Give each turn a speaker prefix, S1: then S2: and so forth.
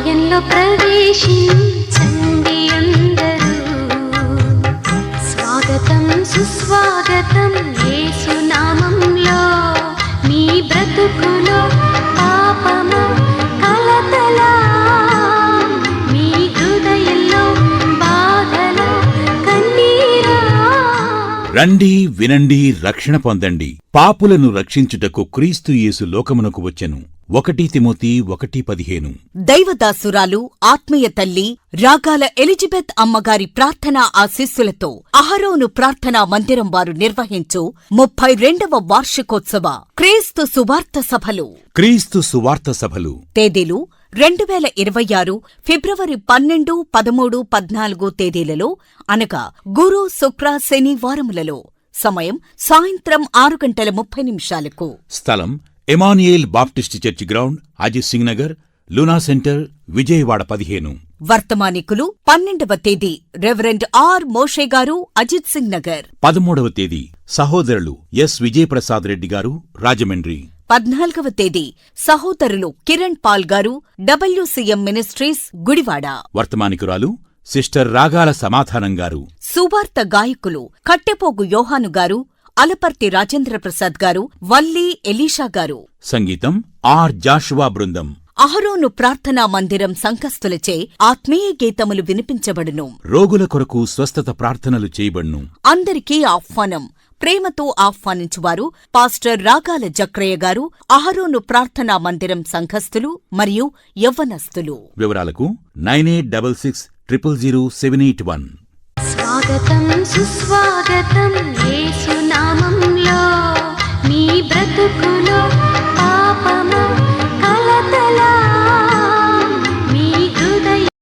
S1: ఆలయంలో ప్రవేశించండి అందరూ. స్వాగతం సుస్వాగతం యేసు నామంలో. మీ బ్రతుకులో పాపము కలతలా, మీ హృదయంలో బాధలు కన్నీరా.
S2: రండి, వినండి, రక్షణ పొందండి. పాపులను రక్షించుటకు క్రీస్తు యేసు లోకమునకు వచ్చెను. 1 తిమోతి 1:15.
S3: దైవదాసురాలు ఆత్మీయ తల్లి రాగాల ఎలిజబెత్ అమ్మగారి ప్రార్థనా ఆశీస్సులతో అహరోను ప్రార్థనా మందిరం వారు నిర్వహించు 32వ వార్షికోత్సవ క్రీస్తు సువార్త సభలు.
S2: క్రీస్తు సువార్త సభలు
S3: తేదీలు 2026 ఫిబ్రవరి 12, 13, 14 తేదీలలో, అనగా గురు, శుక్ర, శని వారములలో. సమయం సాయంత్రం 6:30
S2: స్థలం Emmanuel Baptist church ground, Ajit Singh Nagar, Luna centre, Vijayawada 15.
S3: వర్తమానికులు 12వ తేదీ రెవరెండ్ ఆర్ మోషే గారు, అజిత్ సింగ్ నగర్.
S2: 13వ తేదీ సహోదరులు ఎస్ విజయప్రసాద్ రెడ్డి గారు, రాజమండ్రి.
S3: 14వ తేదీ సహోదరులు కిరణ్ పాల్ గారు, WCM మినిస్ట్రీస్, గుడివాడ.
S2: వర్తమానికురాలు సిస్టర్ రాగాల సమాధానం గారు.
S3: సువార్త గాయకులు కట్టెపోగు యోహాను గారు, అలపర్తి రాజేంద్ర ప్రసాద్ గారు, వల్లి ఎలీషా గారు.
S2: సంగీతం ఆర్ జాషువా బృందం.
S3: అహరోను ప్రార్థనా మందిరం సంకస్తులచే ఆత్మీయ గీతములు వినిపించబడును.
S2: రోగుల కొరకు స్వస్థత ప్రార్థనలు చేయబడును.
S3: అందరికీ ఆహ్వానం. ప్రేమతో ఆహ్వానించువారు పాస్టర్ రాగాల జక్రయ్య గారు, అహరోను ప్రార్థనా మందిరం సంఘస్థులు మరియు యవ్వనస్తులు.
S2: వివరాలకు 9866000781.
S1: స్వాగతం సుస్వాగతం యేసు నామంలో. మీ బ్రతుకులో